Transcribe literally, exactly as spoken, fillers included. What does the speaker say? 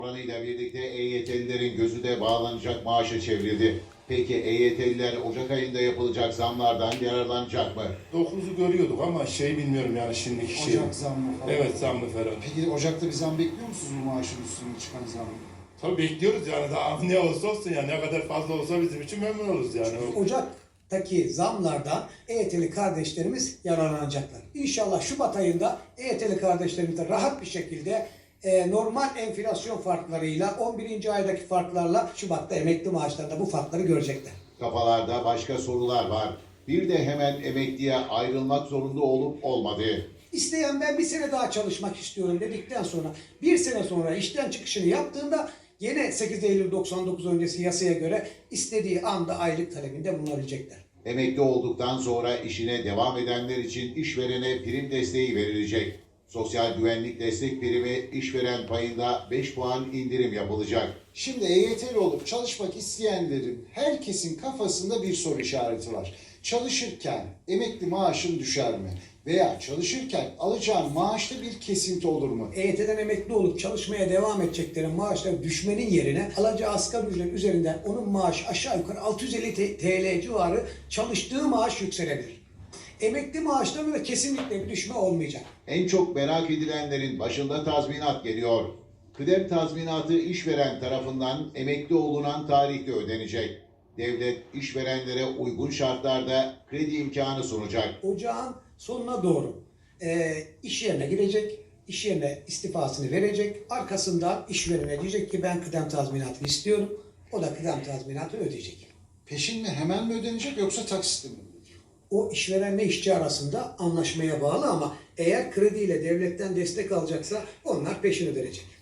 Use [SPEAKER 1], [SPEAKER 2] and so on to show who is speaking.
[SPEAKER 1] Oranıyla birlikte E Y T'lilerin gözü de bağlanacak maaşa çevrildi. Peki E Y T'liler Ocak ayında yapılacak zamlardan yararlanacak mı?
[SPEAKER 2] dokuzu görüyorduk ama şey bilmiyorum yani şimdiki şey.
[SPEAKER 3] Ocak zammı falan.
[SPEAKER 2] Evet, zammı falan.
[SPEAKER 3] Peki Ocak'ta bir zam bekliyor musunuz bu maaşın üstüne çıkan zammı?
[SPEAKER 2] Tabii bekliyoruz yani, daha ne olursa olsun yani, ne kadar fazla olsa bizim için memnun oluruz yani.
[SPEAKER 4] Ocak'taki zamlardan E Y T'li kardeşlerimiz yararlanacaklar. İnşallah Şubat ayında E Y T'li kardeşlerimiz de rahat bir şekilde e, normal enflasyon farklarıyla on birinci aydaki farklarla Şubat'ta emekli maaşlarında bu farkları görecekler.
[SPEAKER 1] Kafalarda başka sorular var. Bir de hemen emekliye ayrılmak zorunda olup olmadığı.
[SPEAKER 4] İsteyen ben bir sene daha çalışmak istiyorum dedikten sonra bir sene sonra işten çıkışını yaptığında yine sekiz Eylül doksan dokuz öncesi yasaya göre istediği anda aylık talebinde bulunabilecekler.
[SPEAKER 1] Emekli olduktan sonra işine devam edenler için işverene prim desteği verilecek. Sosyal güvenlik destek primi işveren payında beş puan indirim yapılacak.
[SPEAKER 3] Şimdi E Y T'li olup çalışmak isteyenlerin herkesin kafasında bir soru işareti var. Çalışırken emekli maaşın düşer mi? Veya çalışırken alacağın maaşta bir kesinti olur mu?
[SPEAKER 4] E Y T'den emekli olup çalışmaya devam edeceklerin maaşları düşmenin yerine alacağı asgari ücret üzerinden onun maaşı aşağı yukarı altı yüz elli T L civarı çalıştığı maaş yükselebilir. Emekli maaşlarında da kesinlikle bir düşme olmayacak.
[SPEAKER 1] En çok merak edilenlerin başında tazminat geliyor. Kıdem tazminatı işveren tarafından emekli olunan tarihte ödenecek. Devlet işverenlere uygun şartlarda kredi imkanı sunacak.
[SPEAKER 4] Ocağın sonuna doğru e, iş yerine girecek, iş yerine istifasını verecek, arkasından işverene diyecek ki ben kıdem tazminatını istiyorum, o da kıdem tazminatını ödeyecek.
[SPEAKER 3] Peşin mi, hemen mi ödenecek yoksa taksitle mi?
[SPEAKER 4] O işverenle işçi arasında anlaşmaya bağlı ama eğer krediyle devletten destek alacaksa onlar peşin ödenecek.